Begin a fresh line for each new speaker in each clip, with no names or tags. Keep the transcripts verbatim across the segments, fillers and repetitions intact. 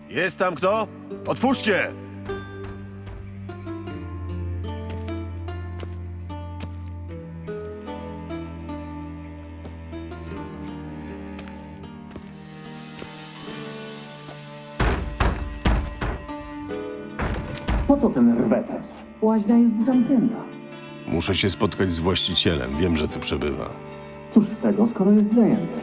Jest tam kto? Otwórzcie!
Po co ten rwetes? Łaźnia jest zamknięta.
Muszę się spotkać z właścicielem. Wiem, że tu przebywa.
Cóż z tego, skoro jest zajęty?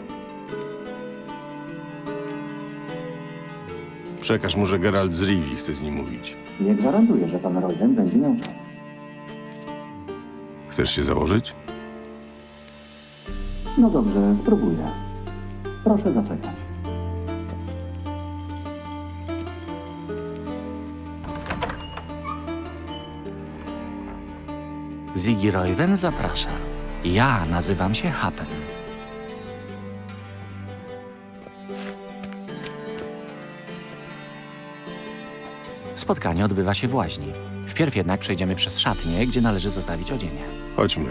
Przekaż mu, że Geralt z Rivii chce z nim mówić.
Nie gwarantuję, że pan Royden będzie miał czas.
Chcesz się założyć?
No dobrze, spróbuję. Proszę zaczekać.
Ziggy Royven zaprasza. Ja nazywam się Hapen. Spotkanie odbywa się w łaźni. Wpierw jednak przejdziemy przez szatnię, gdzie należy zostawić odzienie.
Chodźmy.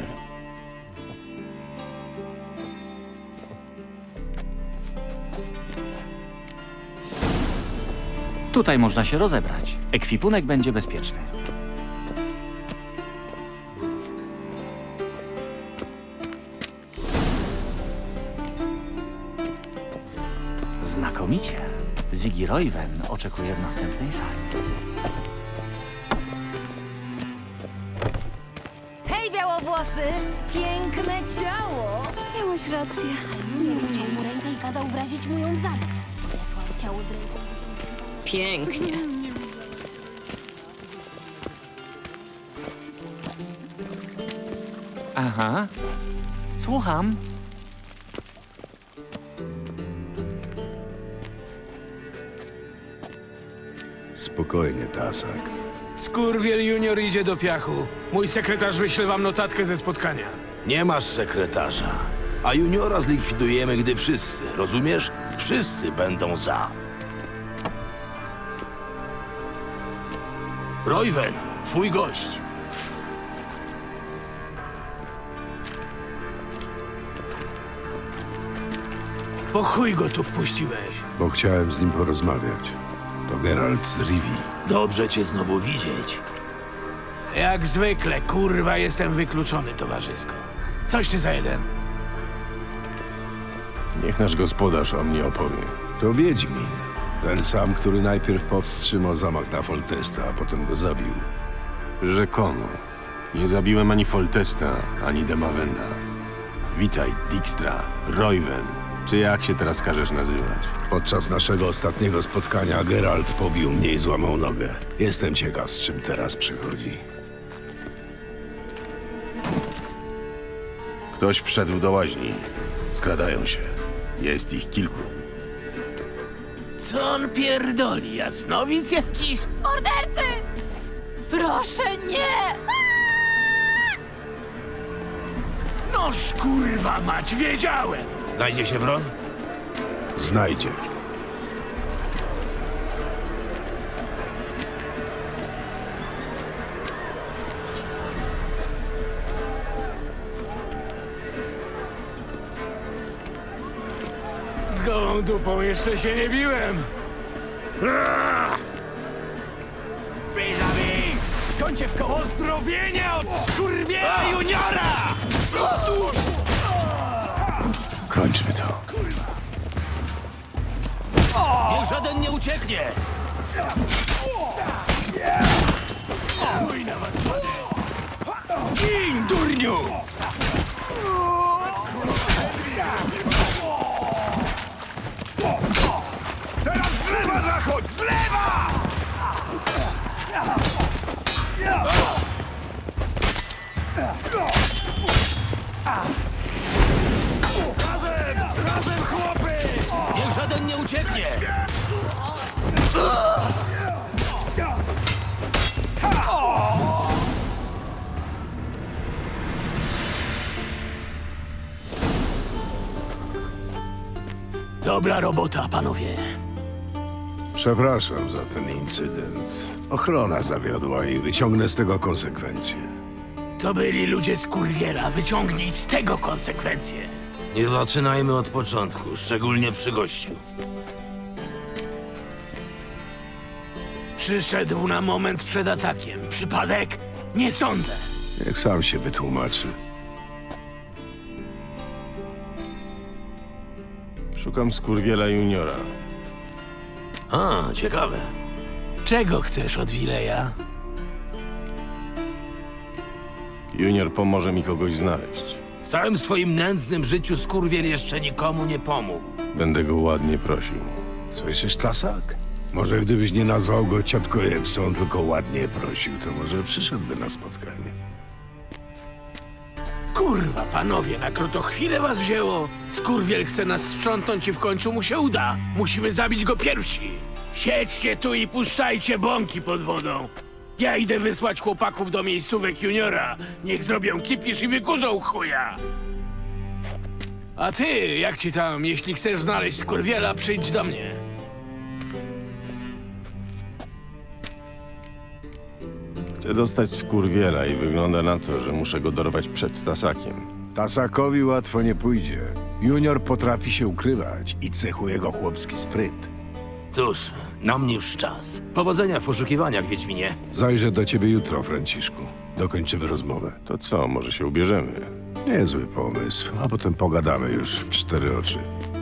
Tutaj można się rozebrać. Ekwipunek będzie bezpieczny. Znakomicie. Ziggy Royven oczekuje w następnej sali.
Hej, białowłosy! Piękne ciało!
Miałeś rację.
Junior uciął mu rękę i kazał wrazić mu ją w zadek. Wysłał ciało z ręką wyciągniętą.
Pięknie.
Aha. Słucham.
Spokojnie, Tasak.
Skurwiel Junior idzie do piachu. Mój sekretarz wyśle wam notatkę ze spotkania.
Nie masz sekretarza. A juniora zlikwidujemy, gdy wszyscy, rozumiesz? Wszyscy będą za. Royven, twój gość.
Po chuj go tu wpuściłeś.
Bo chciałem z nim porozmawiać. To Geralt z Rivii.
Dobrze cię znowu widzieć.
Jak zwykle, kurwa, jestem wykluczony towarzysko. Coś ty za jeden.
Niech nasz gospodarz o mnie opowie.
To Wiedźmin. Ten sam, który najpierw powstrzymał zamach na Foltesta, a potem go zabił.
Rzekomo. Nie zabiłem ani Foltesta, ani Demawenda. Witaj, Dijkstra, Royven, czy jak się teraz każesz nazywać?
Podczas naszego ostatniego spotkania Geralt pobił mnie i złamał nogę. Jestem ciekaw, z czym teraz przychodzi.
Ktoś wszedł do łaźni. Skradają się. Jest ich kilku.
Co on pierdoli, jasnowic jakiś?
Mordercy! Proszę, nie!
Noż kurwa mać, wiedziałem!
Znajdzie się broń?
Znajdzie.
Z gołą dupą jeszcze się nie biłem. Vis-a-vis! Kończę w koło zdrowienia od skurwiela juniora! Otóż!
Kończmy to.
Niech żaden nie ucieknie!
Chuj na was, panie! Gin, durniu!
Teraz z lewa zachodź! Z lewa!
Razem! Razem, chłopy!
Niech żaden nie ucieknie!
Dobra robota, panowie.
Przepraszam za ten incydent. Ochrona zawiodła i wyciągnę z tego konsekwencje.
To byli ludzie z kurwiela. Wyciągnij z tego konsekwencje.
Nie zaczynajmy od początku, szczególnie przy gościu.
Przyszedł na moment przed atakiem. Przypadek? Nie sądzę.
Niech sam się wytłumaczy.
Szukam Skurwiela Juniora.
A, ciekawe. Czego chcesz od Wileja?
Junior pomoże mi kogoś znaleźć.
W całym swoim nędznym życiu skurwiel jeszcze nikomu nie pomógł.
Będę go ładnie prosił.
Słyszysz, Tasak? Może gdybyś nie nazwał go ciotko Epson, tylko ładnie prosił, to może przyszedłby na spotkanie.
Kurwa, panowie, na krótko chwilę was wzięło. Skurwiel chce nas sprzątnąć i w końcu mu się uda. Musimy zabić go pierwsi. Siedźcie tu i puszczajcie bąki pod wodą. Ja idę wysłać chłopaków do miejscówek Juniora. Niech zrobią kipisz i wykurzą chuja. A ty, jak ci tam, jeśli chcesz znaleźć Skurwiela, przyjdź do mnie.
Chcę dostać Skurwiela i wygląda na to, że muszę go dorwać przed Tasakiem.
Tasakowi łatwo nie pójdzie. Junior potrafi się ukrywać i cechuje go chłopski spryt.
Cóż, na mnie już czas. Powodzenia w poszukiwaniach, Wiedźminie.
Zajrzę do ciebie jutro, Franciszku. Dokończymy rozmowę.
To co, może się ubierzemy?
Niezły pomysł, a potem pogadamy już w cztery oczy.